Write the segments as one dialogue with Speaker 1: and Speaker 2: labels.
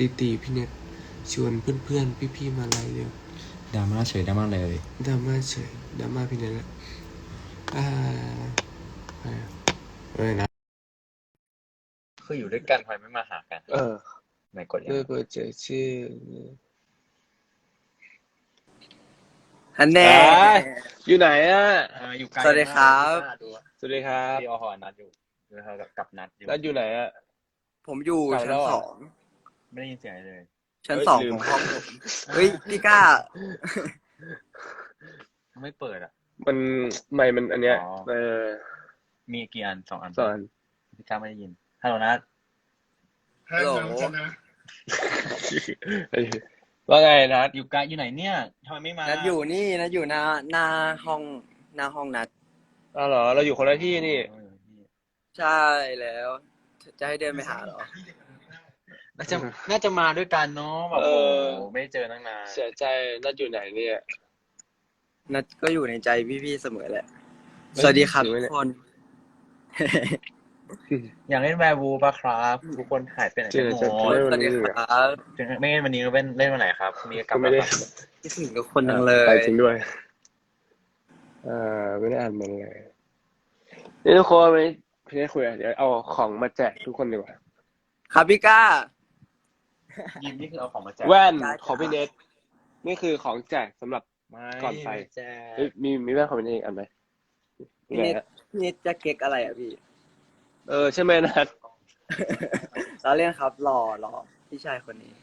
Speaker 1: ตีพี่เน็ตชวนเพื่อนๆพี่ๆมาไลฟ์เร็ว
Speaker 2: ดราม่าเฉยดราม่าเลย
Speaker 1: ดราม่าเฉยดราม่าพี่เน็ตละนะ
Speaker 2: คืออยู่ด้วยกันทำไมไม่มาหากันไหนกดยัง
Speaker 1: ด้วยโปรเจกต์ชื่อ
Speaker 3: ฮันแน่
Speaker 1: อยู่ไหน
Speaker 2: อยู่ไกล
Speaker 3: สวัสดีครับ
Speaker 1: สวัสดีครับ
Speaker 2: พี่อหอนัดอยู่กับนัดอยู่
Speaker 1: นัดอยู่ไหน
Speaker 3: ผมอยู่
Speaker 1: กลับ
Speaker 3: ชั้
Speaker 1: แล้
Speaker 3: น
Speaker 1: วเหรอ
Speaker 3: สอง
Speaker 2: ไม่ได้ยินเสียงอะไรเลย
Speaker 3: ชั้น
Speaker 1: เฮ้ย
Speaker 3: สอง
Speaker 1: ลืม
Speaker 3: ของห้องผมเฮ้ยพี่ก้า
Speaker 2: ไม่เปิดอ่ะ
Speaker 1: มันไม่มันอันเนี้ย
Speaker 2: อ๋อ มีกี่อัน2 อัน
Speaker 1: สอน
Speaker 2: พี่ก้าไม่ได้ยินฮัลโหลนัด
Speaker 3: ฮัลโหล
Speaker 1: ว่าไงนัด
Speaker 2: อยู่ไกลอยู่ไหนเนี่ยทำไมไม่มา
Speaker 3: นัดอยู่นี่นัดอยู่หน้าห้องนัด
Speaker 1: เหรอเราอยู่คนละที่นี่
Speaker 3: ใช่แล้ว จะให้เดินไปหาเหรอ
Speaker 2: น่าจะมาด้วยกันเนาะแบบโอ้โหไม่เจอตั้งนาน
Speaker 1: เสียใจนัดอยู่ไหนเนี่ย
Speaker 3: นัดก็อยู่ในใจพี่ๆเสมอแหละ
Speaker 1: เฮ้ย
Speaker 3: สวัสดีครับ
Speaker 1: จริงไหม
Speaker 3: ทุ
Speaker 1: เนี่
Speaker 3: ก
Speaker 1: ย
Speaker 3: คน
Speaker 2: อยากเล่นแวร์วูปะครับทุกคนหายไปไหน
Speaker 1: จริ
Speaker 2: กั
Speaker 1: ง
Speaker 2: น
Speaker 1: เหรอ
Speaker 2: หม
Speaker 1: จะ
Speaker 2: ด
Speaker 3: สวัสดีครับ
Speaker 2: ไม่เล่นวันนี้เล่นวันไหนครับมีกลั
Speaker 1: ก็
Speaker 2: บ
Speaker 1: ไม่
Speaker 2: มา
Speaker 1: ได้
Speaker 2: ปะ
Speaker 3: คิดถึงทุกคนจังเล
Speaker 1: ไป
Speaker 3: ย
Speaker 1: จริงด้วยไม่ได้อ่านมันเลยนี่ทุกคนวันนี้พี่ได้คุยเดี๋ยวเอาของมาแจกทุกคนดีกว่า
Speaker 3: ครับพี่ก้า
Speaker 2: ยิมนี่คือเอาของมาแจก
Speaker 1: แว่น
Speaker 3: ได้
Speaker 1: ของพี่เน็ตนี่คือของแจกสำหรับ
Speaker 2: ไม่
Speaker 1: ก่อนไป
Speaker 2: แจก
Speaker 1: เฮ้ยมีแว่นของพี่เน็ตอีกอันไหม
Speaker 3: พี่เน็ตพี่เน็ตจะเก๊กอะไรอ่ะพี่
Speaker 1: ใช่ไหมนัด
Speaker 3: เราเล่นครับหล่อพี่ชายคนนี้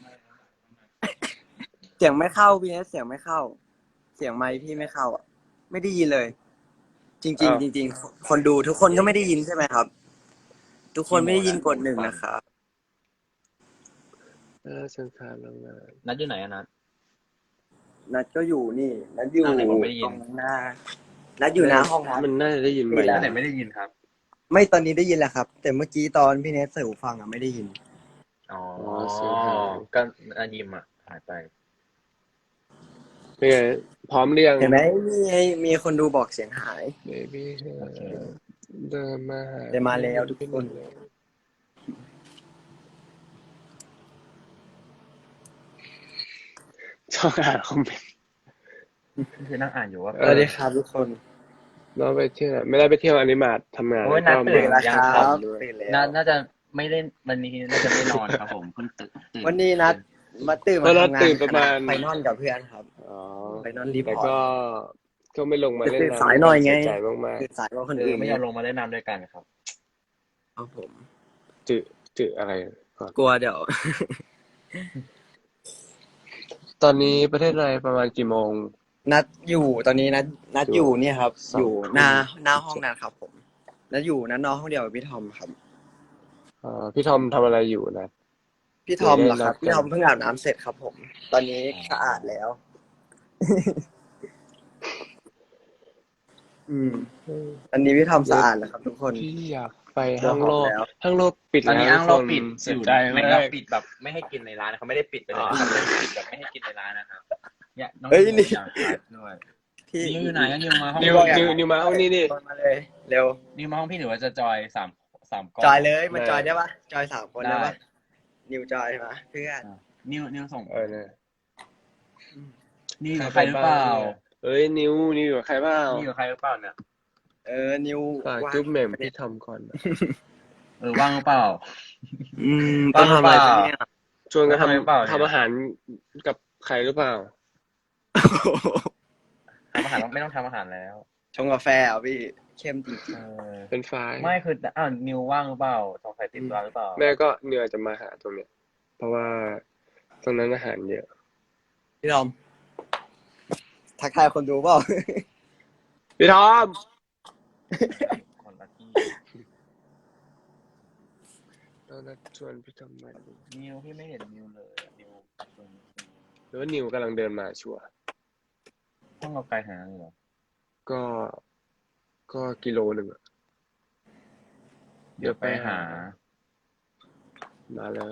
Speaker 3: เสียงไม่เข้าพี่เนสเสียงไม่เข้า เสียงไมค์พี่ไม่เข้าอ่ะ ไม่ได้ยินเลย จริง
Speaker 1: อ้าว
Speaker 3: ๆจริงๆคนดูทุกคนก็ไม่ได้ยินใช่ไหมครับ ทุกคนไม่ได้ยินกด1นะครับ
Speaker 1: สังขารโรงงาน
Speaker 2: นัดอยู่ไหนอะนัด
Speaker 3: นัดก็อยู่นี่นัดอยู่
Speaker 2: อ้าวไหนบอกไม่ได้ยิน
Speaker 3: ตรงหน้านัดอยู่หน้าห้องครับ
Speaker 1: มันน่าจะได้ยินไหม
Speaker 3: นี่แหละ
Speaker 2: นัดไหนไม่ได้ยินครับ
Speaker 3: ไม่ตอนนี้ได้ยินแล้วครับ แต่เมื่อกี้ตอนพี่เนสใส่หูฟังอ่ะไม่ได้ยิน
Speaker 2: อ๋อ
Speaker 1: เสียงหาย
Speaker 2: ก็อายิมอ่ะหายไป
Speaker 1: เป็นไงพร้อมเรียง
Speaker 3: เห็นไหมมีคนดูบอกเสียงหาย
Speaker 1: เบบี้
Speaker 2: โอเค
Speaker 1: เดินมาหา
Speaker 3: เดินมาแล้วทุกคน
Speaker 1: ชอบอ่านคอมเมนต์
Speaker 2: คือนั่งอ่านอยู่ว่า
Speaker 3: สวัสดีครับทุกคน
Speaker 1: น้องไปเที่ยวไม่ได้ไปเที่ยวอนิมาตทำงาน
Speaker 2: โอ้ย
Speaker 1: แล้ว
Speaker 2: นัด
Speaker 1: ก็
Speaker 2: ตื่น
Speaker 1: มา
Speaker 2: ยัง
Speaker 3: ค
Speaker 2: ค
Speaker 3: รั
Speaker 2: รับ
Speaker 3: ตื่นแล้ว
Speaker 2: น่าจะไม่เล่นวันนี้น่าจะไม่นอนครับผมเพิ่งตื่น
Speaker 3: วันนี้นัดมาตื่น
Speaker 1: เพ
Speaker 3: มา
Speaker 1: ราะนัด
Speaker 3: ทำงาน
Speaker 1: ตื่นประมาณ
Speaker 3: ไปนอนกับเพื่อนครับ
Speaker 1: อ๋อ
Speaker 3: ไปนอนรีพ
Speaker 1: แต่
Speaker 3: อร์ต
Speaker 1: ก็ไม่ลงมาเล่น
Speaker 3: ตื่นสายหน่อยไง
Speaker 1: เสีใจมาก
Speaker 3: ตื่นสายกว่าคน
Speaker 2: คือ
Speaker 3: อื่น
Speaker 2: ไม่ยอมลงมาเล่นน้ำด้วยกันครับ
Speaker 3: ครับผม
Speaker 1: ๆจืดอะไรก่อน
Speaker 3: กลัวเดี๋ยว
Speaker 1: ตอนนี้ประเทศไทยประมาณกี่โมง
Speaker 3: นัดอยู่ตอนนี้นัดอยู่เนี่ยครับ
Speaker 1: สอง
Speaker 3: อยู่หน้าห้องนั้นครับผมนัดอยู่นัดนอนห้องเดียวกับพี่ทอมครับ
Speaker 1: พี่ทอมทำอะไรอยู่นะ
Speaker 3: พี่ทอมเหรอครับ
Speaker 1: เดี๋ยวได้นัดกัน
Speaker 3: พี่ทอมเพิ่งอาบน้ำเสร็จครับผม ตอนนี้สะอาดแล้ว อันนี้พี่ทอมสะอาดแล้วครับทุกคน
Speaker 1: พี่อยากไปห้างโลก
Speaker 3: แล้ว
Speaker 1: ห้างโลกปิด
Speaker 2: ตอนนี้
Speaker 1: แล้ว
Speaker 2: อ้างเราปิด
Speaker 1: เสีย
Speaker 2: อยู่
Speaker 1: ใจ
Speaker 2: ไม่
Speaker 1: มา
Speaker 2: เรา
Speaker 1: ก
Speaker 2: ปิดแบบไม่ให้กินในร้านเขาไม่ได้ปิดไปเลยนะครับปิดแบบไม่ให้กินในร้านนะครับเนี่ยน้อง
Speaker 3: เฮ้ยนี่
Speaker 2: อยากทานด้วย
Speaker 3: พี่
Speaker 2: นิวอยู่ไหนนิวมาห้อง
Speaker 1: นิว
Speaker 2: พี่
Speaker 1: นิวมาห้องนี้ดิ
Speaker 3: มาเลย เร็ว
Speaker 2: นิวมาห้องพี่หรือว่าจะจอยสามกล้อง
Speaker 3: จอยเลยมา
Speaker 1: ได้
Speaker 3: จอยได้ปะจอย3 คนได้
Speaker 2: ได้
Speaker 3: ปะนิวจอยมาเพื่อน
Speaker 2: นิวส่ง
Speaker 1: เนี่ย
Speaker 2: นิวอยู่กับใครหรือเปล่า
Speaker 1: เอ้ยนิวอยู่กับใครเปล่า
Speaker 2: นิวอยู่กับใครหรือเปล่าเนี่ย
Speaker 3: นิว
Speaker 1: ฝาก
Speaker 3: ว่าง
Speaker 1: จุ๊บแหม่มพี่ทอมก่อนนะ
Speaker 2: ว่างหรือเปล่า
Speaker 3: ต้องทำอะไร
Speaker 2: ว่างหรือเปล่า
Speaker 3: เนี่ย
Speaker 1: ชวนกัน
Speaker 2: ทำไมเปล่าเนี่ย
Speaker 1: ทำอาหารกับใครหรือเปล่า
Speaker 2: ทำอาหารไม่ต้องทำอาหารแล้ว
Speaker 3: ชงกาแฟเหรอพี่เข้มจริง
Speaker 1: เป็นไฟล์
Speaker 2: ไม่คือนิวว่างหรือเปล่าสงสัยติดธุระหรือเปล่า
Speaker 1: แม่ก็เหนื่อยจะมาหาตรงเนี้ย เพราะว่าตรงนั้นอาหารเยอะ
Speaker 3: ๆพี่ทอมทักทายคนดูเปล่า
Speaker 1: พี่ทอม
Speaker 2: คนละที่
Speaker 1: ตอนนั้นชวนพี่ทอมมาดู
Speaker 2: นิวพี่ไม่เห็นนิวเลยนิว
Speaker 1: หรือว่านิวกำลังเดินมาชัวร์
Speaker 2: ห้องเราไกลหาเลยเหรอ
Speaker 1: ก็กิโลหนึ่งอะ
Speaker 2: เดี๋ยวไปหา
Speaker 1: มาเลย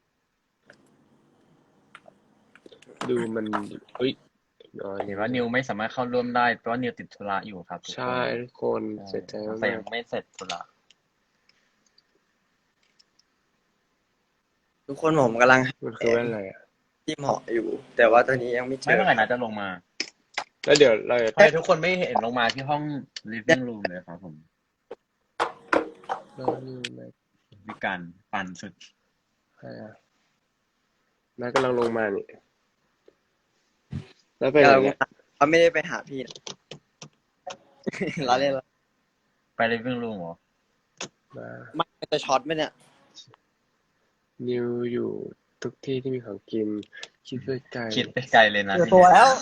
Speaker 1: ดูมันเฮ้ย
Speaker 2: เห็นว่านิวไม่สามารถเข้าร่วมได้เพราะว่านิวติดธุระอยู่ครับทุกคน
Speaker 1: ใช่ทุกคนเสียใจ
Speaker 2: แต่
Speaker 1: มา
Speaker 2: ยั
Speaker 1: ก
Speaker 2: งไม่เสร็จธุระ
Speaker 1: ๆ
Speaker 3: ทุกคนผมกำลัง
Speaker 1: มันคือแว่นอะไรอ่ะ
Speaker 3: ที่เหมาะอยู่ แต่ว่าตัวนี้ยังไม่เจ
Speaker 2: ไม่
Speaker 3: อ
Speaker 2: เมื่อไหร่นะจะลงมา
Speaker 1: แล้วเดี๋ยวเราจะ
Speaker 2: ทำไมทุกคนไม่เห็นลงมาที่ห้อง living room เลยครับผม วิการปั่นสุด
Speaker 1: ใช่อะแม่กำลังลงมานี่แล้วไปไหนเนี่ย
Speaker 3: เขาไม่ได้ไปหาพี่นะเราเล่นแล้ว
Speaker 2: ไป living room เหรอ
Speaker 1: มา
Speaker 3: มันจะช็อตไหมเนี่ย
Speaker 1: นิวอยู่ทุกที่ที่มีของกิน คิดไปไกล
Speaker 2: คิดไปไกลเลยนะ
Speaker 3: เจอตัวแล้ว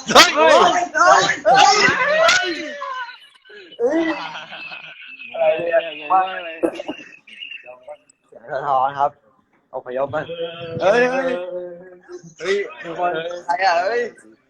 Speaker 1: อะไรเนี่ยงงมากเลย
Speaker 3: เสียงสะท้อนครับอพยพมันเฮ้ยทุกคนใครอ่ะเฮ้ย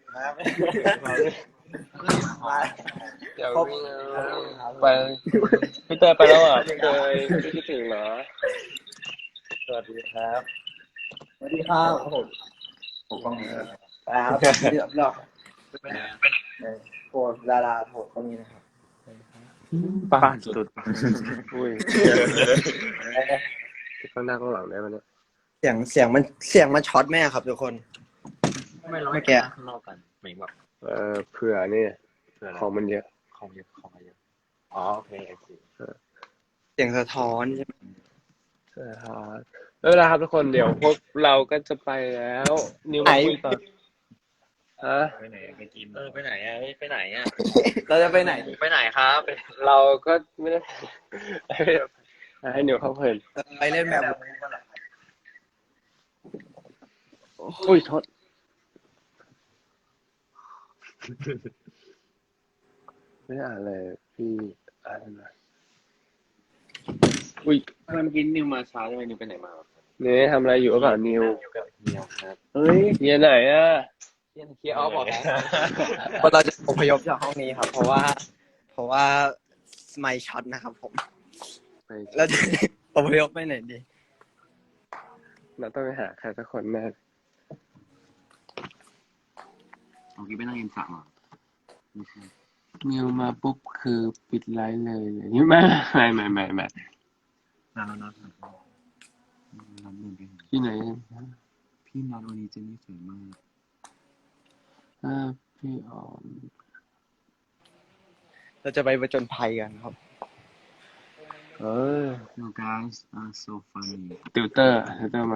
Speaker 3: มา
Speaker 1: เดี๋ยวไปพี่เตยไปแล้วอ่ะพี่เตยพี่คิดถึงเหรอ
Speaker 2: สวัสดีครับ
Speaker 3: สวัสดีครับผม
Speaker 2: กล้อง
Speaker 3: ครับเรียบร้อยโหดาราโหดก็มีนะครับ
Speaker 1: ป้านสุดอุ้ยข้างหน้าข้างหลังได้ไหมเนี่ย
Speaker 3: เสียงมันช็อตแม่ครับทุกคน
Speaker 2: ไม่เรา
Speaker 3: ไม่
Speaker 2: ไม่
Speaker 3: แกะ
Speaker 2: แกะข้างนอกกันหมายแบบ
Speaker 1: เผื่อเนี่ย
Speaker 2: เพื่ออะไร
Speaker 1: ของมันเยอะ
Speaker 2: ของเยอะของเยอะอ๋อโอเคโอเค
Speaker 3: เสียงสะท้อนใช่ไหม
Speaker 1: ใช่ครับแล้วเวลาครับทุกคนเดี๋ยวพวกเราก็จะไปแล้วนิวมาคุยต่อฮะ
Speaker 2: ไปไหนไปกินไปไหนอ่ะไปไหนอ่ะ
Speaker 3: เราจะไปไหน
Speaker 2: ไปไหนครับ
Speaker 1: เราก็ไม่ได้ให้นิวเข้าเพลิน
Speaker 3: ไปเล่นแบบ
Speaker 1: อุ้ยโทษไม่ได้อ่านเลยพี่อ่านนะอุ้ย
Speaker 2: ทำไมเมื่อกี้นิวมาช้าทำไมนิวไปไหนมา
Speaker 1: เนี่ยทำอะไรอยู่หรือเปล่านิว
Speaker 2: อยู่กับเฮียครับ
Speaker 1: เฮ้ยเฮียไหนอ่ะ
Speaker 2: เฮียออฟบอกนะ
Speaker 3: คนเราจะอพยพจากห้องนี้ครับ เพราะว่าไม่ช็อตนะครับผม
Speaker 1: ไป
Speaker 3: แล้วจะอพยพไปไหนดี
Speaker 1: เราต้องไปหาใครสักคนแน่
Speaker 2: เมื่อกี้ไปนั่งกินสระมา
Speaker 1: นิวมาปุ๊บคือปิดไลฟ์เลยนี่ไม่
Speaker 2: น้ำน้ำเดินไป
Speaker 1: ที่ไหน
Speaker 2: พี่นัดวันนี้เจนนี่สวยมาก
Speaker 1: พี่ออม
Speaker 3: เราจะไปประจนภัยกันครับ
Speaker 1: เออ
Speaker 2: You guys are so funny
Speaker 1: ติวเตอร์มา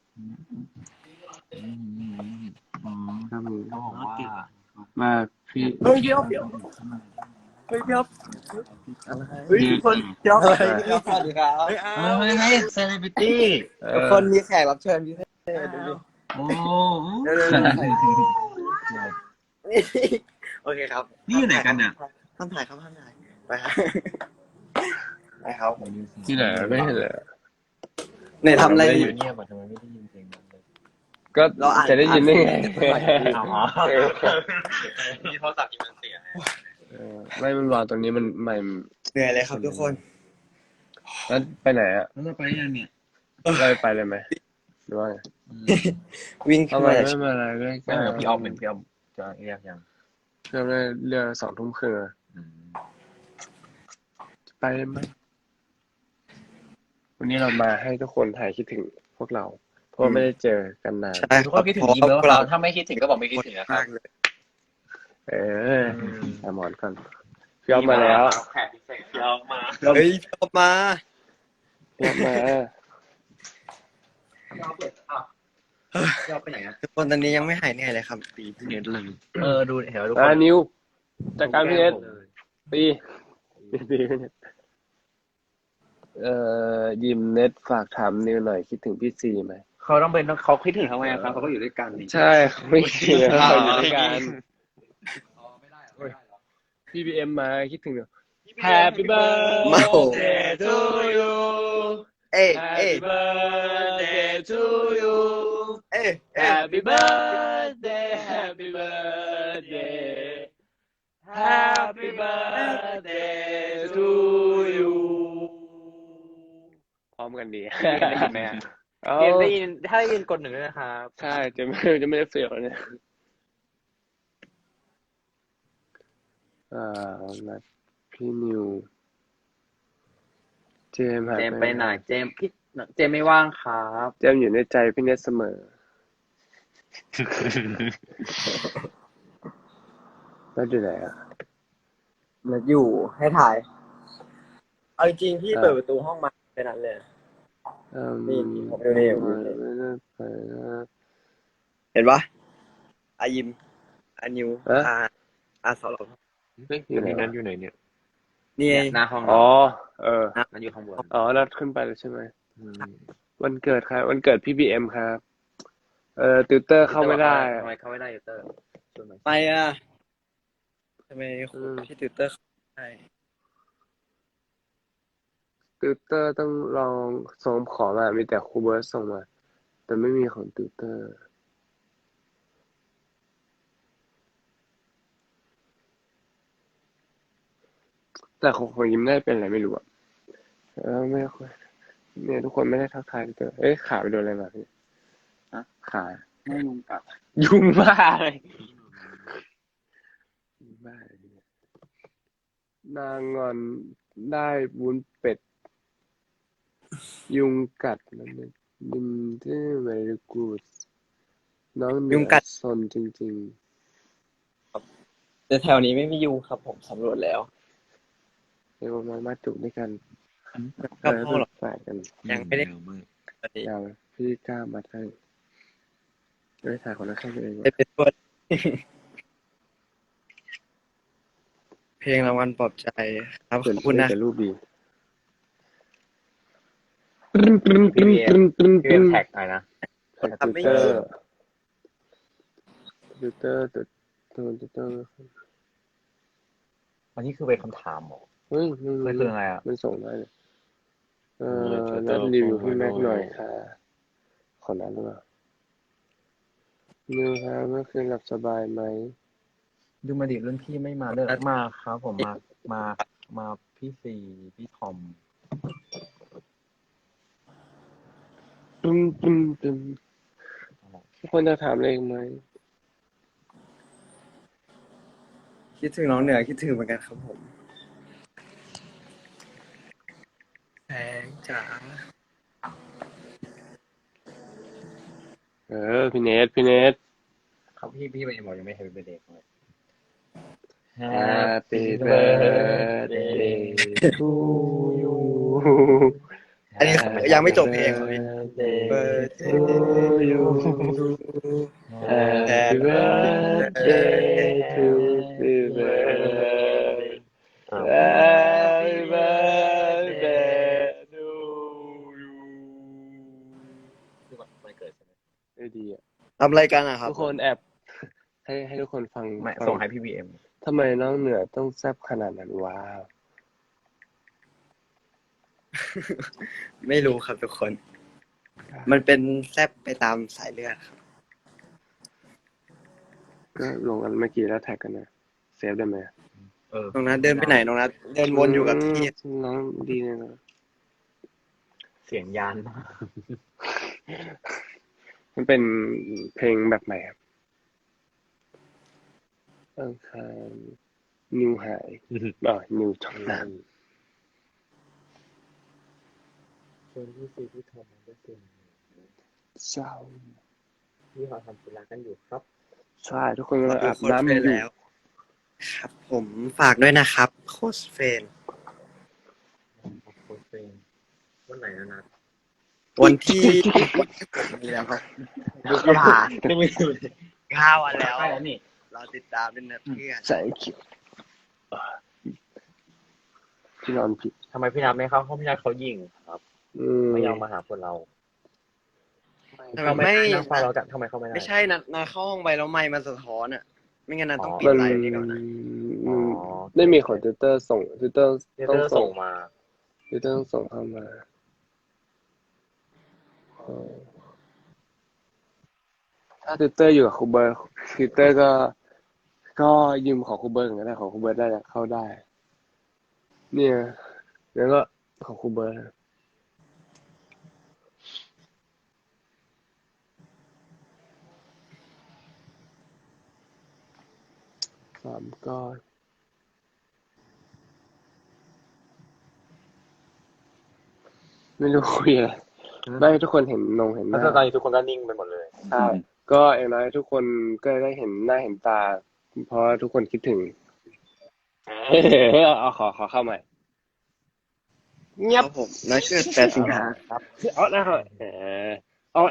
Speaker 2: อ๋อ
Speaker 1: ครับมึง
Speaker 2: เขาบอกว่า
Speaker 1: มาพี่
Speaker 3: เฮ้ยเดี๋ยวเฮ้ยเดี๋ยวเฮ้ยทุกคนเดี๋ยวสวัสดีครับ
Speaker 2: เฮ้ยเซเลบริตี้
Speaker 3: ทุกคนมีแขกรับเชิญพิเศษดูดิ
Speaker 2: โอ้
Speaker 3: โอเคครับ
Speaker 2: นี่อยู่ไหนกันเนี่ย
Speaker 3: ห้ามถ่ายครับห้ามถ่ายไปครับไปครับ
Speaker 1: ที่ไหนไม่เห็นเลย
Speaker 3: ไหนทำอะไรอยู่
Speaker 2: เงียบอ่ะทำไมไม่ได้ยินเสียงมันเลย
Speaker 1: ก็จะได้ยินได้ไง
Speaker 2: อ๋อมีโทรศัพท์ที่มันเสีย
Speaker 1: ไม่มันวางตรงนี้มันใหม่
Speaker 3: เหนื่อยเลยครับทุกคน
Speaker 1: แล้วไปไหนอ่ะ
Speaker 2: แล้วจะไปยังเนี่ย
Speaker 1: เราไปเลยไหมหรือว่าไง
Speaker 3: วิ่ง
Speaker 1: เอา
Speaker 3: ขึ้น
Speaker 1: มา
Speaker 3: มา
Speaker 1: ไม่มาอะไรด้วย
Speaker 2: ไม่เหมือนพี่ออฟเหมือนพี่ออฟจะเรียกยัง
Speaker 1: เริ่มได้เรือ2 ทุ่มครึ่งไปเลยไหมวันนี้เรามาให้ทุกคนถ่ายคิดถึงพวกเรา เพราะไม่ได้เจอกันนาน
Speaker 3: ใช่
Speaker 2: ทุกคนคิดถึงอีเมลเราถ้าไม่คิดถึงก็บอกไม่คิดถึงนะครับ
Speaker 1: หมอนก่อนพี่ออฟมาแล้ว
Speaker 2: แขกพิเศษพี่ออฟมา
Speaker 3: เฮ้ยชอบมา
Speaker 1: พี่ออฟมา
Speaker 2: พี่ออฟไปไหนอ่ะ
Speaker 3: ทุกคนตอนนี้ยังไม่หายเหนื่อยเลยครับ
Speaker 2: ตีพี่เน็ตเลยดูเห็นทุกค
Speaker 1: อ่ะ
Speaker 2: น
Speaker 1: นิวจากการพี่เอสตีเนี่ยยิมเน็ตฝากถามนิวหน่อยคิดถึงพี่ซีไหม
Speaker 2: เขาต้องเป็นเขาคิดถึงทำไมครับเขาก็อยู่ด้วยกันนี่
Speaker 1: ใช่เขาไม่คิดถึงเขาอยู่ด้วยกัน พี่บีเอ็มมาคิดถึง Happy
Speaker 3: มาโห
Speaker 1: birthday to you
Speaker 3: เอ้ยเอ้ย
Speaker 1: Happy birthday to you
Speaker 3: เอ้ย
Speaker 1: Happy birthday Happy birthday Happy birthday to you พร้อมกันดี
Speaker 2: ได้ยินไหมอ่ะ
Speaker 1: เอา
Speaker 2: ได้ยินถ้าได้ยินกดหนึ่งด้วยนะครับ
Speaker 1: ใช่จะไม่ได้เฟีลเนี่ยนัดพี่นิวเจมส์หาย
Speaker 2: เจมไปไหนเจมพี่เจมไม่ว่างครับ
Speaker 1: เจมส์อยู่ในใจพี่เนทเสมอแล้วอยู่ไหนอ่ะ
Speaker 3: มันอยู่ให้ถ่าย เอาจริงๆพี่
Speaker 1: อ่า
Speaker 3: เปิดประตูห้องมาแค่นั้นเลย นี่ผมอยู่นี่ผมอยู่นี่
Speaker 1: ไม่ได้ไปนะ
Speaker 3: เห็นปะอายิมอานิว
Speaker 1: เอ๊ะ
Speaker 3: อาสโล
Speaker 1: เฮ้ยอยู่ไหน
Speaker 4: นั่
Speaker 1: วะ
Speaker 4: นอยู่ไหนเนี่ย
Speaker 3: นี่ไง
Speaker 2: หน้าห้อง
Speaker 1: อ๋
Speaker 2: เรา
Speaker 1: อ เออ
Speaker 2: มันอยู่ข้างบน
Speaker 1: อ๋อนัดขึ้นไปแล้วใช่ไหม
Speaker 4: อืม
Speaker 1: วันเกิดครับวันเกิดพี่บีเอ็มครับ ติวเตอร์เข้าไม่ได้
Speaker 2: ทำไมเข้าไม่ได้ยูเตอร์ช่วยหน่อย
Speaker 3: ไปอ่ะทำไม
Speaker 1: อืม
Speaker 3: พี่ติวเตอร์ใช่
Speaker 1: ติวเตอร์ต้องลองส่งขอมามีแต่ครูเบิร์ตส่งมา แต่ไม่มีของติวเตอร์ แต่ของยิ้มได้เป็นอะไรไม่รู้อะไม่ค่อยเนี่ยทุกคนไม่ได้ทักทายติวเตอร์ เอ๊ะขาไปโดนอะไรมาพี่ขา
Speaker 2: ไม่ยุงกัด
Speaker 1: ยุงบ้าเลยยุงบ้าเลยเนี่ยนางงอนได้วุ้นเป็ด ยุงกัดมันเป็นดินที่ very good น้องเหนื
Speaker 3: ยุง
Speaker 1: อ
Speaker 3: กัด
Speaker 1: ซนจริง
Speaker 3: แต่แถวนี้ไม่มียุงครับผมสำรวจแล้ว
Speaker 1: ๆเดี๋ยวมาจุกด้วยกัน
Speaker 3: กับห้องหรอ
Speaker 1: ฝ่ายกัน
Speaker 3: ยังไม่ได้
Speaker 4: เร็วมาก
Speaker 1: ยาวพี่กล้ามาให้ไม่ถ่ายคนละข้างตัวเอง
Speaker 3: ได้เป็นตัว เพลงรางวัลปลอบใจครับข
Speaker 1: เกิด
Speaker 3: อบคุณนะ
Speaker 1: แต่รูปดี
Speaker 2: พี่เอ็มแท็กหน่อยนะ
Speaker 1: แท็กติวเตอร์ติวเตอร์ติวเตอร์
Speaker 2: อันนี้คือเป็นคำถามเหรอ
Speaker 1: เฮ้ย
Speaker 2: มันคืออะไรอ่ะ
Speaker 1: มันส่งได้เลยนัดรีวิวพี่แม็กหน่อยค่ะ ขอนั้นหรือเปล่านิวครับเมื่อคืนหลับสบายไหม
Speaker 2: ดูมาดิรุ่นพี่ไม่มาเลยมาครับผมมาพี่ซีพี่ทอม
Speaker 1: ตึ้มทุกคนจะถามอะไรอีกไหม
Speaker 3: คิดถึงน้องเหนือคิดถึงเหมือนกันครับผมแสงจ๋า
Speaker 1: พี่เนท
Speaker 2: เขาพี่ไปบอกยังไม่ Happy Birthday เลย
Speaker 1: Happy birthday to you
Speaker 3: อันนี้ยังไม่จบเพลงเลย
Speaker 1: Birthday to you Happy birthday to you Happy birthday to you
Speaker 2: วันเกิดใช่ไหม
Speaker 1: ได้ดีอ่ะ
Speaker 3: ทำอะไรกันอะครับ
Speaker 1: ทุกคนแอบให้ทุกคนฟัง
Speaker 2: ไม่
Speaker 1: ฟั
Speaker 2: ส่งให้พี่บีเอ็ม
Speaker 1: ทำไมน้องเหนือต้องแซ่บขนาดนั้นว้าว
Speaker 3: ไม่รู้ครับทุกคน มันเป็นแซบไปตามสายเลือดครับ
Speaker 1: ก็ลงกันเมื่อกี้แล้วแท็กกันนะเซฟได้ไหม
Speaker 3: น้องนัทเดินไปไหนน้องนัทเดินวนอยู่กับที่
Speaker 1: น้องดีเลยนะ
Speaker 2: เสียงยานมาก
Speaker 1: มันเป็นเพลงแบบไหนครับอังคารนิวหายนิวช่องน้
Speaker 2: ส่วนพี่ซีพี่ทอมมันก็เสียง
Speaker 1: ำเศร้า
Speaker 2: ที่เขาทำธุระกันอยู่ครับ
Speaker 1: ใช่ทุกคนกำลังอาบน้ำอยู่
Speaker 3: แล้ว ครับผมฝากด้วยนะครับโค้ชเฟน
Speaker 2: โค้ชเฟนวันไหนนะนัด
Speaker 3: วันที่มีแล้วครับดูกระถา
Speaker 2: ไม่มีเลย
Speaker 3: 9 วันแล้ว
Speaker 2: ใช่แล้วนี่
Speaker 3: เราติดตามด้วยนะเพื่อน
Speaker 1: ใส่เขียวที่นอนผิด
Speaker 2: ทำไมพี่นัทไม่เข้าห้องพี่นัทเขายิงครับ ไม่ยอมมาหาพวกเรา
Speaker 3: ทำไมไม่
Speaker 2: นั่งฟังเรากันทำไมเข้าไม่ได้
Speaker 3: ไม่ใช่นะเข้าห้องไปแล้วไมค์มันสะท้อนอ่ะ ไม่งั้นนะต้องปิด
Speaker 1: มัน
Speaker 3: ไลน์นี้ก่อนนะ
Speaker 1: ไม่มีของติวเตอร์ส่งติวเตอร์
Speaker 2: เดี๋ยว
Speaker 1: ต้อง
Speaker 2: เธอ
Speaker 1: ส่
Speaker 2: ส่
Speaker 1: ง
Speaker 2: งมา
Speaker 1: ติวเตอร์ต้องส่งเข้ามาถ้าติวเตอร์อยู่กับครูเบิร์ตติวเตอร์ก็ยืมของครูเบิร์ตก็ได้ของครูเบิร์ตได้เข้าได้ เนี่ยแล้วก็ของครูเบิร์ต3 ก้อนไม่รู้คุยอะไรได้ทุกคนเห็นเห็นห
Speaker 4: แล้ว
Speaker 1: น้า
Speaker 4: ตอนนี้ทุกคนก็นิ่งไปหมดเลย
Speaker 1: ใช่ก็อย่างน้อยทุกคนก็ได้เห็นหน้าเห็นตา เพราะทุกคนคิดถึงเอาขอเข้าใหม่เงียบ
Speaker 3: ครับผมนัดเกิด8 สิงหาครับ
Speaker 1: เอาแล้วเอา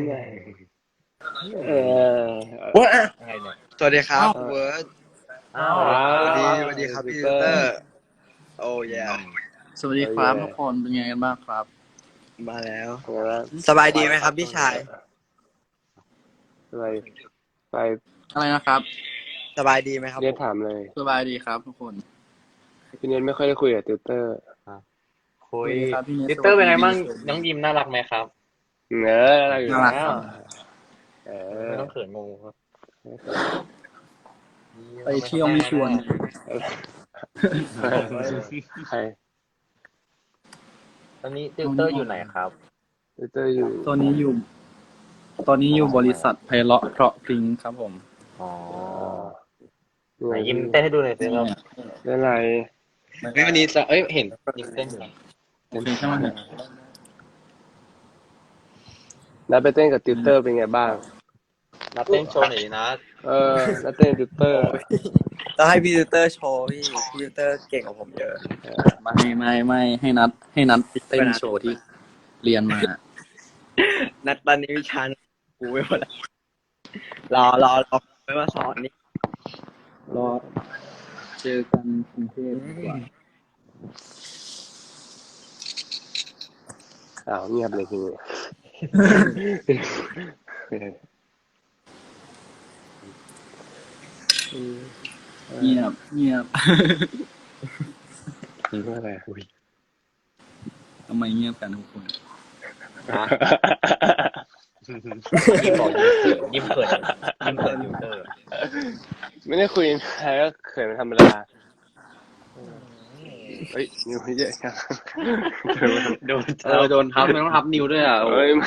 Speaker 3: ว่า
Speaker 4: อะไรเนี่ย
Speaker 3: สวัสดีครับเวิร์ด
Speaker 4: อ้าว
Speaker 3: สวัสดีครับพี่ติวเตอร์โอ้ย
Speaker 2: สวัสดีครับทุกคนเป็นไงกันบ้างครับ
Speaker 3: มาแล้วสบายดีไหมครับพี่ชาย
Speaker 1: สบายไป
Speaker 2: อะไรนะครับ
Speaker 3: สบายดีไหมครับ
Speaker 1: เรียนถามเลย
Speaker 2: สบายดีครับทุกคน
Speaker 1: พี่เนียนไม่ค่อยได้คุยกับติวเตอร์
Speaker 4: คุย
Speaker 2: สวัสดีครับพี่เนส
Speaker 4: ติวเตอร์เป็นไงบ้างน้องยิมน่ารักไหมครับ
Speaker 1: เนออะไรอยู่
Speaker 2: น่ารัก
Speaker 1: แล้
Speaker 2: คว รับ
Speaker 4: ไม่ต้องเขินงงครับ
Speaker 2: ไปเที่ยวไม่ชวน
Speaker 1: ใคร
Speaker 4: ตอนนี้ติวเตอร์อยู่ไหนครับ
Speaker 1: ติวเตอร์อยู่
Speaker 2: ตอนนี้อยู่บริษัทไพเราะเพราะพริ้งครับผม
Speaker 4: อ๋อ
Speaker 1: อ๋อ
Speaker 4: ไหนยิมเต้นให้ดูหน่อยสิครับ
Speaker 1: เล่นอะไร
Speaker 4: วันนี้จะเห็นยิมเต้นอยู่
Speaker 2: โอเคใช่ไหมเนี่ย
Speaker 1: นัดไปเต้นกับติวเตอร์เป็นไงบ้าง
Speaker 4: นัดเต้นโชว์หน่อยดินะ
Speaker 1: นัดเต้นกับติวเตอร์
Speaker 3: ต้องให้พี่ติวเตอร์โชว์พี่ติวเตอร์เก่งกว่าผมเยอะ
Speaker 2: ไม่ให้นัดเต้นโชว์ที่เรียนมา
Speaker 3: นัดตอนนี้วิชากูไม่หมดแล้วรอไม่มาสอนนี่
Speaker 2: รอเจอกันกรุงเทพดีกว่า
Speaker 1: เงียบเลยทีนี้
Speaker 2: เงียบ
Speaker 1: อะไร
Speaker 2: ทำไมเงียบกันทุกคน
Speaker 4: ยิมบอกยิมเขินติวเตอร์
Speaker 1: ไม่ได้คุยใครก็เขินเป็นธรรมดาเฮ้ยนิ้วเยอะจัง
Speaker 4: โดนทับไม่ต้องทับนิ้วด้วยอ่ะ
Speaker 1: เฮ้ย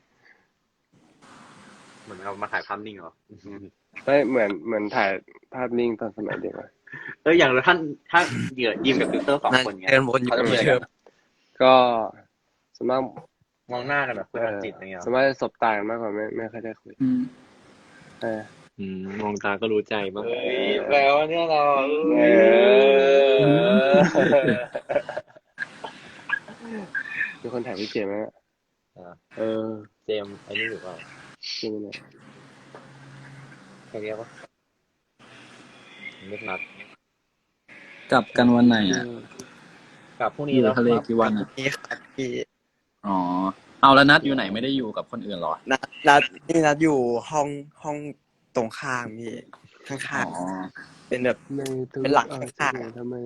Speaker 4: เหมือนเรามาถ่ายภาพนิ่งเหรอ
Speaker 1: ไม่เหมือนถ่ายภาพนิ่งตอนสมัยเด็กอะ
Speaker 4: อย่างถ้าเหยื่อยิมกับติวเตอร์สองคนเงี้ย
Speaker 3: เดินวนอยู่
Speaker 4: เขาจะเป็นยังไง
Speaker 1: ก็สวนมาก
Speaker 4: มองหน้ากันแบบคุยกันจิตอะไรเงี้ย
Speaker 1: สวนมากจะสบตากันมากกว่าไม่ค่อยได้คุยเออ
Speaker 4: มองตาก็รู้ใจบ้างแปลว่าเนี่ยเรา
Speaker 1: มีคนถ่ายพี่เจมส์ไหม
Speaker 4: เจมไอ้นี่อยู่เปล่า
Speaker 1: จริงเนี่ย
Speaker 4: ใครเรียกว่าไม่นัด
Speaker 2: กลับกันวันไหนอ่ะ
Speaker 4: กับพรุ่ง
Speaker 2: อ
Speaker 4: นี้
Speaker 2: ยู่
Speaker 4: แล้ว
Speaker 2: ทะเลกี่วันอ่ะ
Speaker 3: นี่ครับพี่
Speaker 2: อ๋อเอาแล้วนัดอยู่ไหนไม่ได้อยู่กับคนอื่นเหรอ
Speaker 3: นัดอยู่ห้องตรงข้างพี่ข้าง
Speaker 2: อ๋อ
Speaker 3: ๆเป็นแบบเป็นหลังข้างๆ
Speaker 1: ทำไม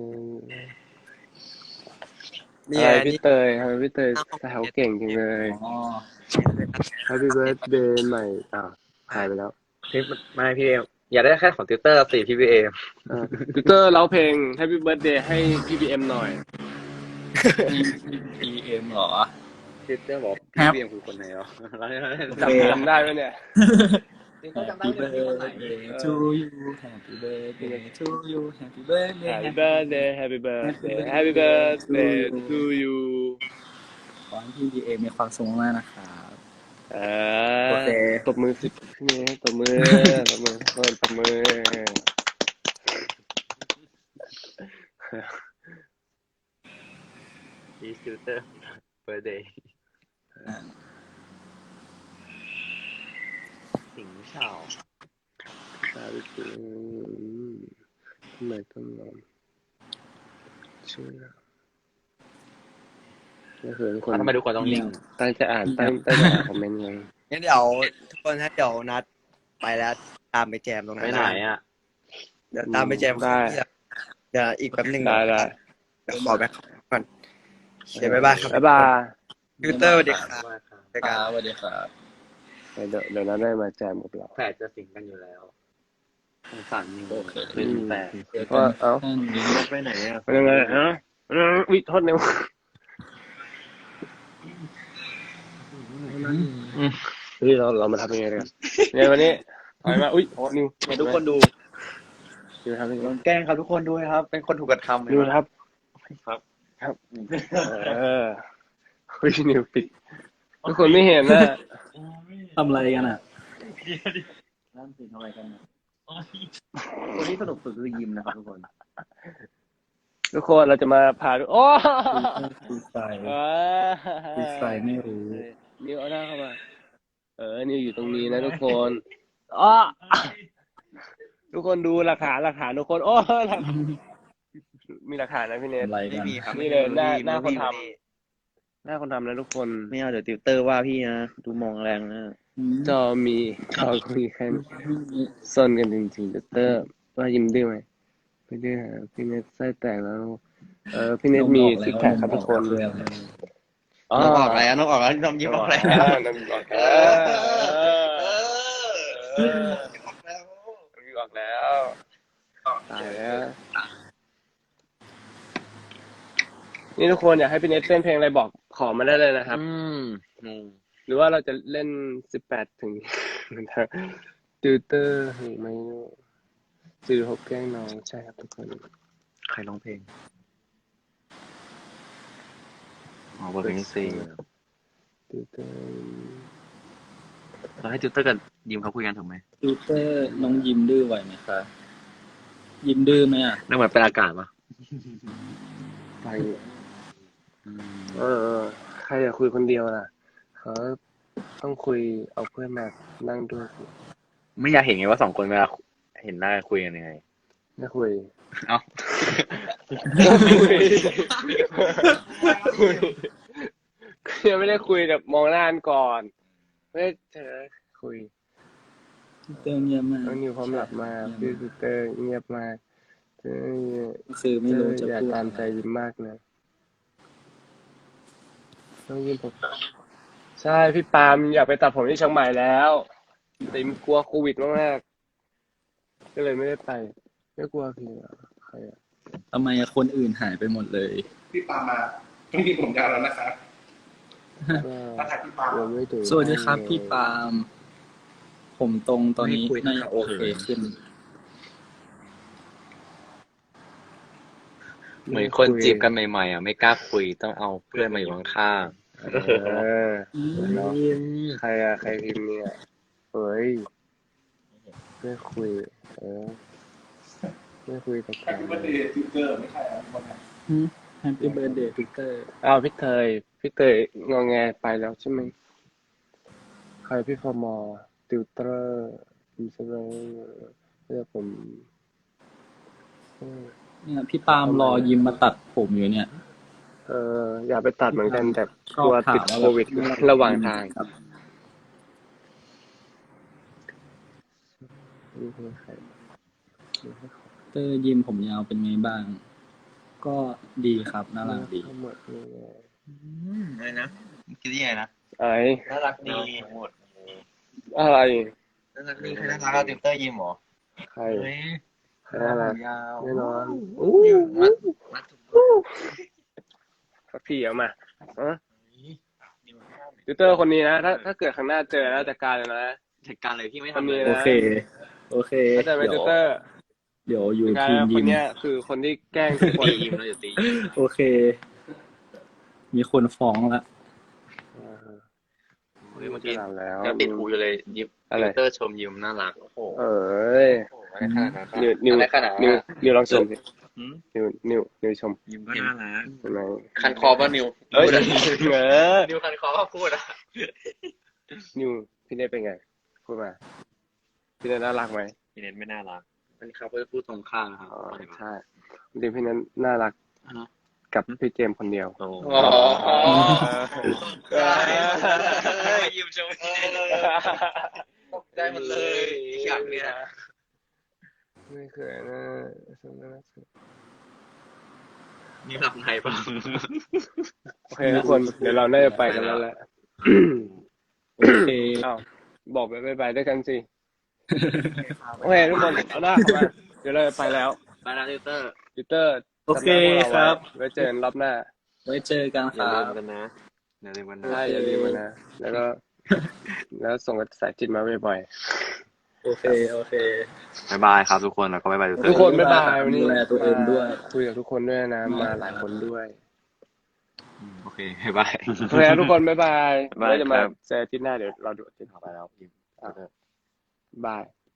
Speaker 3: นี่
Speaker 1: อะไร
Speaker 3: นี่
Speaker 1: พี่เตยทำไมพี่เตยแต่เขาเก่งจริงเลย
Speaker 2: อ๋อ
Speaker 1: Happy Birthday ใหม่หายไปแล้ว
Speaker 4: พี่ไม่พี่เอมอย่าได้แค่ของติวเตอร์สิพี่เอม
Speaker 1: ติวเตอร์ร้องเพลง Happy Birthday ให้พี่บีเอ็มหน่อย
Speaker 2: PM เหรอ
Speaker 4: ติวเตอร์บอก
Speaker 2: ครั
Speaker 4: พี่
Speaker 2: บ
Speaker 4: เอมคือคนไหนอ๋อ
Speaker 1: จำได้ไหมเนี่ย
Speaker 2: Happy birthday to you Happy birthday to you Happy birthday
Speaker 1: Happy Birthday Happy Birthday Happy Birthday to you
Speaker 2: ขอให้พี่ PM มีความสุขมากนะครับ โอเค
Speaker 1: ตบมือสิพี่เมย์ตบมือตบมือตบมือ
Speaker 4: พี่ติวเตอร์เบอร์เดย์สิงห์เฉา
Speaker 1: ตาดิจิทำไมต้องนอนชื่อนี่คือทุกคน
Speaker 4: ทำไมทุกคนต้องนิ่ง
Speaker 1: ตั้งใจอ่านตั้งใจอ่านคอมเมนต์ไง
Speaker 3: งั้นเดี๋ยวทุกคนถ้าเดี๋ยวนัดไปแล้วตามไปแจมตรงนั้
Speaker 4: ไป
Speaker 3: น
Speaker 4: ไหนอ่ะ
Speaker 3: เดี๋ยวตามไปแจม
Speaker 1: ได้
Speaker 3: เดี๋ยวอีกแป๊บหนึง
Speaker 1: ได้
Speaker 3: เดี๋ยวขอแบ็คก่อนเดี๋ยวบ๊ายบายครับ
Speaker 1: บ๊ายบาย
Speaker 3: ติวเตอร์สวัสดีครับเจอ
Speaker 2: ค
Speaker 3: กัน
Speaker 2: รับสวัสดีครับ
Speaker 1: เดี๋ยวนั้นได้มาแจมกับเรา
Speaker 4: แฝดจะสิงกันอยู่แล้วสงสารนิว
Speaker 2: โอเค
Speaker 4: เป็นแฝด
Speaker 2: เจอ
Speaker 1: ก็
Speaker 2: กัน
Speaker 1: เอ้า
Speaker 2: ท่านนี้
Speaker 4: ไปไหนอ่ะ
Speaker 1: เป็นยังไงฮะวิโทษนิวเฮ้ยเรามาทำยังไงกันเนี่ยวันนี้ถอยมาอุ้ยโอ้นิว
Speaker 4: ให้ทุกคนดู
Speaker 1: นิวทำยังไง
Speaker 4: แกล้งครับทุกคนด้วยครับ เป็นคนถูกกระทำ
Speaker 1: นิวครับ
Speaker 4: ครับ
Speaker 1: ครับเฮ้ยนิวปิดทุกคนไม่เห็นนะ
Speaker 2: ทำอะไรกันอ่ะนั่นสิทำอะไรกันนะคนที่สนุกสุดคือยิมนะครับทุกคน
Speaker 1: ทุกคนเราจะมาพาโอ้
Speaker 2: ฟรีสไตล์
Speaker 1: ว้า
Speaker 2: ฟรีสไตล์ไม่รู้
Speaker 1: นิวเอาหน้าเข้ามานิวอยู่ตรงนี้นะทุกคนอ้อทุกคนดูหลักฐานทุกคนโอ้มีหลักฐานนะพี่เนท
Speaker 2: อะไรกัน
Speaker 1: นี่เลยหน้าคนทำหน้าคนทำนะทุกคน
Speaker 3: ไม่เอาเดี๋ยวติวเตอร์ว่าพี่นะดูมองแรงนะ
Speaker 1: จอมีเขาคุยกันซ่อนกันจริงๆเตอร์ว่ายิ้มดื้อไหมไม่ดื้อฮะพี่เนทไส้แตกแล้วพี่เนทมีซิกแพคครับทุกคน
Speaker 3: น้องออกแล้วน้องออกแล้วน้องยิ้มออกแล้ว
Speaker 1: น้ำออกแล้วตายแล้วนี่ทุกคนอยากให้พี่เนทเต้นเพลงอะไรบอกขอมาได้เลยนะครับหรือว่าเราจะเล่น18 ถึงติวเตอร์หรือไม่46แกล้งน้องใช่ครับทุกคน
Speaker 3: ใครร้องเพลง
Speaker 4: อ๋อบทเพลงซี
Speaker 1: ติวเตอร์
Speaker 4: เราให้ติวเตอร์กับยิมเขาคุยกันถูกไหม
Speaker 2: ติวเตอร์น้องยิมดื้อไหวไหมคะยิมดื้อไหมอ่ะ
Speaker 4: นั่นเหมือนเป็นอากาศปะ
Speaker 1: ไปใครอยากคุยคนเดียวล่ะเขาต้องคุยเอาเพื่อนมานั่งด้วย
Speaker 4: ไม่อยากเห็นไงว่า2 คนเวลาเห็นหน้าคุยกันยังไง
Speaker 1: ไม่คุย
Speaker 4: เอ้า
Speaker 1: คุยยังไม่ได้คุยแบบมองหน้ากันก่อนไม่เจอคุย
Speaker 2: เติมเงียบมาก
Speaker 1: น้องนิวพร้อมหลับมากพี่ปีเตอร์เงียบมากเจอ
Speaker 2: คือไม่รู้จะ
Speaker 1: อยาก
Speaker 2: พูด
Speaker 1: ตามใจยิ้มมากเลยน้องยิ้มผมใช่พี่ปาล์มอยากไปตัดผมที่เชียงใหม่แล้วแต่กลัวโควิดมากๆก็เลยไม่ได้ไปไม่กลัวพี่ใครอ่ะ
Speaker 2: ทำไมคนอื่นหายไปหมดเลย
Speaker 5: พี่ปามาต้องมีผมยาวแล้วนะครับ
Speaker 1: ก็
Speaker 5: ถ้าถ่ายพี่ปา
Speaker 1: ยังไม่ถึง
Speaker 2: สวัสดีครับพี่ปาล์มผมตรงตอนนี้
Speaker 3: ไม่คุย
Speaker 2: น่า
Speaker 3: ครั
Speaker 2: จะ
Speaker 3: บ
Speaker 2: โอเคขึ้น
Speaker 4: เหมือนคนจีบกันใหม่ๆอ่ะไม่กล้าคุยต้องเอาเพื่อนมาอยู่ข้าง
Speaker 1: เนาะใครอะใครพิมพ์เนี่ยเฮ้ยไม่คุยไม่คุยกับใคร
Speaker 5: แฮปปี้เบิร์ดเดย์ทิวเตอร์ไม่ใช่ครับวันนั้น
Speaker 2: Happy Birthday ติวเตอร์
Speaker 1: อ้าวพี่เตยงอแงไปแล้วใช่ไหมใครพี่ฟอร์มอติวเตอร์ผมใช่ไหมเรียกผม
Speaker 2: เนี่ยพี่ปาล์มรอยิมมาตัดผมอยู่เนี่ย
Speaker 1: อยากไปตัดเหมือนกันแต่
Speaker 2: ช
Speaker 1: ก
Speaker 2: อบ
Speaker 1: ลัว
Speaker 2: ถาม
Speaker 1: ติดโควิดระหว่างทาง
Speaker 2: ครับ
Speaker 1: นี่คือใคร
Speaker 2: เตอร์ยิมผมยาวเป็นไงบ้าง ก็ดีครับน่ารักดี
Speaker 1: ทั้งหมดเลย
Speaker 3: อะไรนะคิดยังไงนะ
Speaker 1: อะไร
Speaker 3: น่ารักดีทั้งหมด
Speaker 1: อะไร
Speaker 3: น่ารักดีใครน่ารักติวเตอร์ยิ้มหรอ
Speaker 1: ใคร
Speaker 3: เฮ้ย
Speaker 1: ใครอะไร
Speaker 3: ยาว
Speaker 1: แน่นอน
Speaker 3: มัด
Speaker 1: สักทีเอามาติวเตอร์คนนี้นะถ้าเกิดข้างหน้าเจอแล้วจัดการเลยนะ
Speaker 4: ๆเหตุการณ์อะไรที่ไม่
Speaker 1: คน
Speaker 4: ทำเล
Speaker 1: นี้
Speaker 4: ย
Speaker 2: โอ
Speaker 1: นะ
Speaker 2: เค โอเค
Speaker 1: เข้าใจไหมติวเตอร์
Speaker 2: เดี๋ยวอยู่
Speaker 1: กาย
Speaker 2: ทีม
Speaker 1: ค
Speaker 2: ยิ
Speaker 1: น
Speaker 2: ม
Speaker 1: เนี้ยคือคนที่แกล้งทุกคน
Speaker 4: ตียิมแล้วอย่าตียิม
Speaker 2: โอเค มีคนฟ้องละ
Speaker 4: เฮ้ยเมื่อ
Speaker 1: จะ
Speaker 4: กี้
Speaker 1: หลับแล้ว
Speaker 4: ยังติดหูอยู่เลยยิม
Speaker 1: อะไร
Speaker 4: ติวเตอร์ชมยิมน่ารักโอ้โห
Speaker 1: เอ้ย
Speaker 3: อะไรขนาดนั้น
Speaker 1: นิว
Speaker 3: อะไรขนาดนั้น
Speaker 1: นิวลองชมสิ
Speaker 4: หืม
Speaker 1: นิวชม
Speaker 4: ยิมก็น่ารัก
Speaker 1: ใช่ไหม
Speaker 3: คันคอป่ะนิว
Speaker 1: เอ้ย
Speaker 3: นิวคันคอก็พูดอ่ะ
Speaker 1: นิวพี่เนทเป็นไงพูดมาพี่เนทน่ารักไหม
Speaker 4: พี่เน็ตไม่น่ารักอันนี้เขาก็จะพูดตรงข้ามนะครับ
Speaker 1: อ๋อใช่จริงๆพี่เนทน่ารักกับพี่เจมส์คนเดียว
Speaker 4: โอ้
Speaker 3: ยิ้มชมตกใจหมดเลยอยากเนี่ย
Speaker 1: ไม่เคยนะสมนัก
Speaker 4: นี่หลับในป่ะ
Speaker 1: โอเคทุกคนเดี๋ยวเราน่าจะไปกันแล้วแหละ
Speaker 2: โอเค
Speaker 1: อ้าวบอกไปบายด้วยกันสิโอเคทุกคนเอาหน้าเข้ามาเดี๋ยวเราจะไปแล้ว
Speaker 4: ไปนะติวเตอร์
Speaker 1: ปีเตอร์
Speaker 2: โอเคครับ
Speaker 1: ไว้เจอกันรอบหน้า
Speaker 2: ไว้เจอกัน
Speaker 4: อ
Speaker 2: ค
Speaker 4: ย่า
Speaker 2: รั
Speaker 4: ลื
Speaker 2: บ
Speaker 4: มกันนะอย่าลืมกันนะ
Speaker 1: ใช่อย่าลืมนะแล้วก็ แล้วส่งกระแสจิตมาบ่อย
Speaker 2: โอเค โอเค
Speaker 4: บ๊ายบายครับทุกคนแล้วก็บ๊ายบายติวเต
Speaker 1: ๆ
Speaker 4: อ
Speaker 1: ทุก
Speaker 4: ร์
Speaker 1: คนบ๊ายบายวันนี้
Speaker 2: ดูแลตัวเองด้วย
Speaker 1: คุยกับทุกคนด้วยนะมาหลายคนด้วย
Speaker 4: โอเคบาย
Speaker 1: โอเคครับทุกคนบ๊ายบาย
Speaker 2: บ๊ายบาย
Speaker 1: เราจะมา
Speaker 2: ครับ
Speaker 1: เจออาทิตย์หน้าเดี๋ยวเราดูอาทิตย์ต่อไปแล้วบาย